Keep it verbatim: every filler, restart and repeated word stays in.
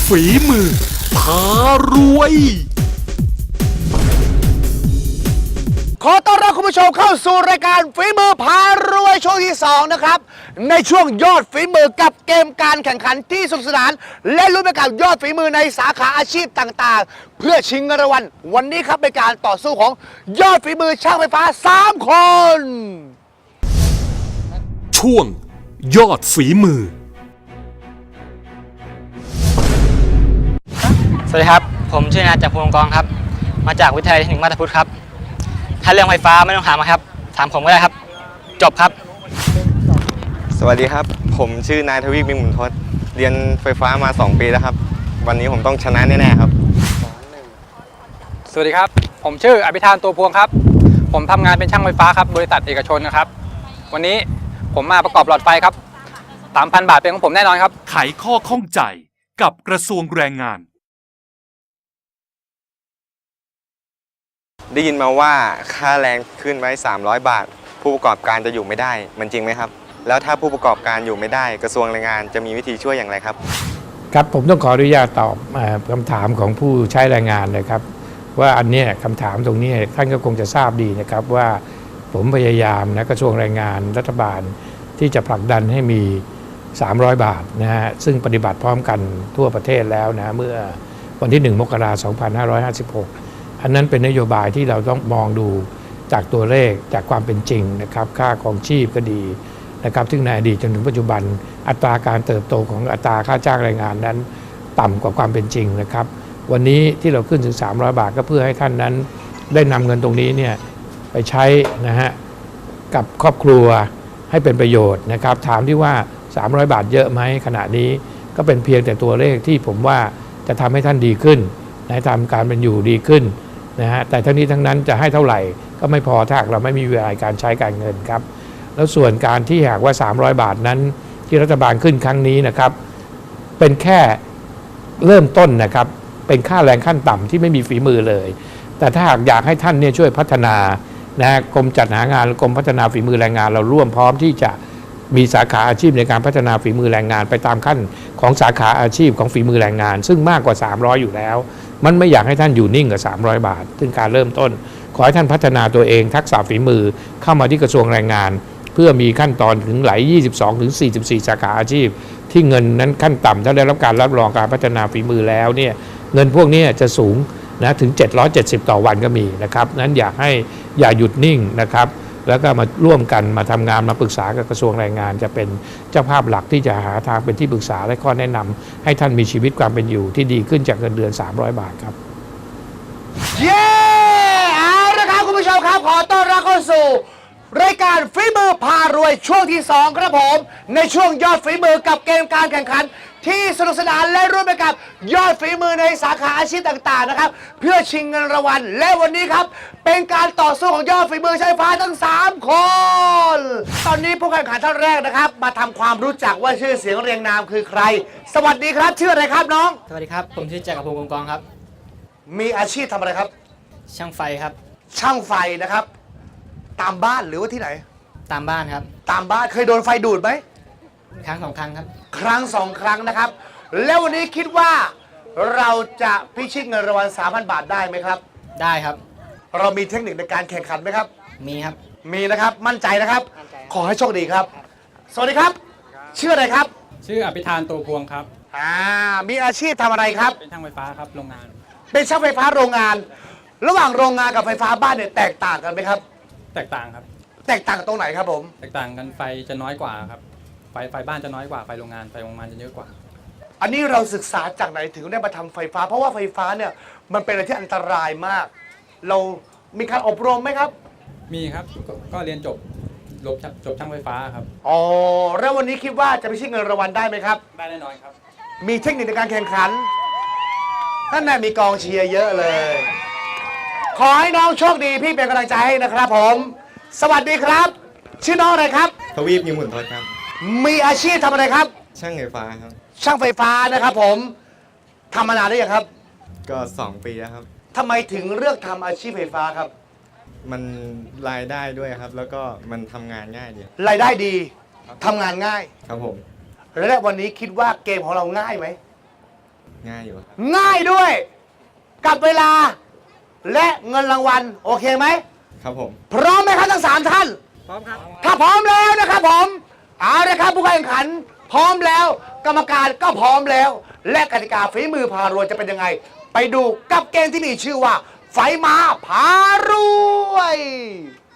ฝีมือพารวยขอต้อนรับคุณผู้ชมเข้าสู่รายการฝีมือพารวยช่วงที่สองนะครับในช่วงยอดฝีมือกับเกมการแข่งขันที่สนุกสนานและลุ้นไปกับยอดฝีมือในสาขาอาชีพต่างๆเพื่อชิงเงินรางวัลวันนี้ครับเป็นการต่อสู้ของยอดฝีมือช่างไฟฟ้าสามคนช่วงยอดฝีมือสวัสดีครับผมชื่อนายจักรพงศ์กองครับมาจากวิทยาลัยเทคนิคมาตาพุทธครับถ้าเรื่องไฟฟ้าไม่ต้องถามครับถามผมก็ได้ครับจบครับสวัสดีครับผมชื่อนายทวีปมิงหมุนทศเรียนไฟฟ้ามาสองปีแล้วครับวันนี้ผมต้องชนะแน่ๆครับสวัสดีครับผมชื่ออภิธานตัวพวงครับผมทำงานเป็นช่างไฟฟ้าครับบริษัทเอกชนนะครับวันนี้ผมมาประกอบหลอดไฟครับ สามพัน บาทเป็นของผมแน่นอนครับไขข้อข้องใจกับกระทรวงแรงงานได้ยินมาว่าค่าแรงขึ้นไว้สามร้อยบาทผู้ประกอบการจะอยู่ไม่ได้มันจริงไหมครับแล้วถ้าผู้ประกอบการอยู่ไม่ได้กระทรวงแรงงานจะมีวิธีช่วยอย่างไรครับครับผมต้องขออนุญาตตอบคำถามของผู้ใช้แรงงานเลยครับว่าอันนี้คำถามตรงนี้ท่านก็คงจะทราบดีนะครับว่าผมพยายามนะกระทรวงแรงงานรัฐบาลที่จะผลักดันให้มีสามร้อยบาทนะฮะซึ่งปฏิบัติพร้อมกันทั่วประเทศแล้วนะเมื่อวันที่หนึ่งมกราคมสองพันห้าร้อยห้าสิบหกอันนั้นเป็นนโยบายที่เราต้องมองดูจากตัวเลขจากความเป็นจริงนะครับค่าของชีพก็ดีนะครับซึ่งในอดีตจนถึงปัจจุบันอัตราการเติบโตของอัตราค่าจ้างแรงงานนั้นต่ำกว่าความเป็นจริงนะครับวันนี้ที่เราขึ้นถึงสามร้อยบาทก็เพื่อให้ท่านนั้นได้นำเงินตรงนี้เนี่ยไปใช้นะฮะกับครอบครัวให้เป็นประโยชน์นะครับถามที่ว่าสามร้อยบาทเยอะไหมขณะนี้ก็เป็นเพียงแต่ตัวเลขที่ผมว่าจะทำให้ท่านดีขึ้นนะทำการเป็นอยู่ดีขึ้นนะฮะแต่ทั้งนี้ทั้งนั้นจะให้เท่าไหร่ก็ไม่พอถ้าเราไม่มีเวลาการใช้การเงินครับแล้วส่วนการที่หากว่าสามร้อยบาทนั้นที่รัฐบาลขึ้นครั้งนี้นะครับเป็นแค่เริ่มต้นนะครับเป็นค่าแรงขั้นต่ำที่ไม่มีฝีมือเลยแต่ถ้าหากอยากให้ท่านเนี่ยช่วยพัฒนานะกรมจัดหางานกรมพัฒนาฝีมือแรงงานเราร่วมพร้อมที่จะมีสาขาอาชีพในการพัฒนาฝีมือแรงงานไปตามขั้นของสาขาอาชีพของฝีมือแรงงานซึ่งมากกว่าสามร้อยอยู่แล้วมันไม่อยากให้ท่านอยู่นิ่งกับสามร้อยบาทซึ่งการเริ่มต้นขอให้ท่านพัฒนาตัวเองทักษะฝีมือเข้ามาที่กระทรวงแรงงานเพื่อมีขั้นตอนถึงหลายยี่สิบสองถึงสี่สิบสี่สาขาอาชีพที่เงินนั้นขั้นต่ำถ้าได้รับการรับรองการพัฒนาฝีมือแล้วเนี่ยเงินพวกนี้จะสูงนะถึงเจ็ดร้อยเจ็ดสิบต่อวันก็มีนะครับนั้นอยากให้อย่าหยุดนิ่งนะครับแล้วก็มาร่วมกันมาทำงานมาปรึกษากับกระทรวงแรงงานจะเป็นเจ้าภาพหลักที่จะหาทางเป็นที่ปรึกษาและข้อแนะนำให้ท่านมีชีวิตความเป็นอยู่ที่ดีขึ้นจากเงินเดือนสามร้อยบาทครับเย้เอาละครับคุณผู้ชมครับขอต้อนรับเข้าสู่รายการฝีมือพารวยช่วงที่สองครับผมในช่วงยอดฝีมือกับเกมการแข่งขันที่สนุกสนานและร่วมไปกับยอดฝีมือในสาขาอาชีพต่างๆนะครับเพื่อชิงเงินรางวัลและวันนี้ครับเป็นการต่อสู้ของยอดฝีมือใช้ไฟฟ้าทั้งสามคนตอนนี้ผู้แข่งขันท่านแรกนะครับมาทำความรู้จักว่าชื่อเสียงเรียงนามคือใครสวัสดีครับชื่ออะไรครับน้องสวัสดีครับผมชื่อจักรพงศ์กองครับมีอาชีพทำอะไรครับช่างไฟครับช่างไฟนะครับตามบ้านหรือว่าที่ไหนตามบ้านครับตามบ้านเคยโดนไฟดูดไหมครั้งสองครั้งครับครั้งสองครั้งนะครับแล้ววันนี้คิดว่าเราจะพิชิตเงินรางวัล สามพัน บาทได้ไหมครับได้ครับเรามีเทคนิคในการแข่งขันไหมครับมีครับมีนะครับมั่นใจนะครับขอให้โชคดีครับสวัสดีครับชื่ออะไรครับชื่ออภิธานตัวพวงครับอ่ามีอาชีพทำอะไรครับเป็นช่างไฟฟ้าครับโรงงานเป็นช่างไฟฟ้าโรงงานระหว่างโรงงานกับไฟฟ้าบ้านเนี่ยแตกต่างกันไหมครับแตกต่างครับแตกต่างตรงไหนครับผมแตกต่างกันไฟจะน้อยกว่าครับไฟไฟบ้านจะน้อยกว่าไฟโรงงานไฟโรงงานจะเยอะกว่าอันนี้เราศึกษาจากไหนถึงได้มาทำไฟฟ้าเพราะว่าไฟฟ้าเนี่ยมันเป็นอะไรที่อันตรายมากเรามีการอบรมไหมครับมีครับก็เรียนจบจบจบช่างไฟฟ้าครับอ๋อแล้ววันนี้คิดว่าจะไปชิงเงินรางวัลได้ไหมครับได้แน่นอนครับมีเทคนิคในการแข่งขันท่านนายมีกองเชียร์เยอะเลยขอให้น้องโชคดีพี่เป็นกำลังใจให้นะครับผมสวัสดีครับชื่อน้องอะไรครับทวีปมิงหมุนทศครับมีอาชีพทำอะไรครับช่างไฟฟ้าครับช่างไฟฟ้านะครับผมทำมานานหรือยังครับก็สองปีแล้วครับทำไมถึงเลือกทำอาชีพไฟฟ้าครับมันรายได้ด้วยครับแล้วก็มันทำงานง่ายดีรายได้ดีทำงานง่ายครับผมและวันนี้คิดว่าเกมของเราง่ายไหมง่ายอยู่ครับง่ายด้วย กับเวลา และเงินรางวัล โอเคไหมครับผมพร้อมไหมครับทั้งสามท่าน พร้อมครับ ถ้าพร้อมแล้วนะครับผมเอาละครับผู้แข่งขัน พร้อมแล้ว กรรมการก็พร้อมแล้ว และกติกาฝีมือพารวยจะเป็นยังไง ไปดูกับเกมที่มีชื่อว่า ไฟม้าพารวย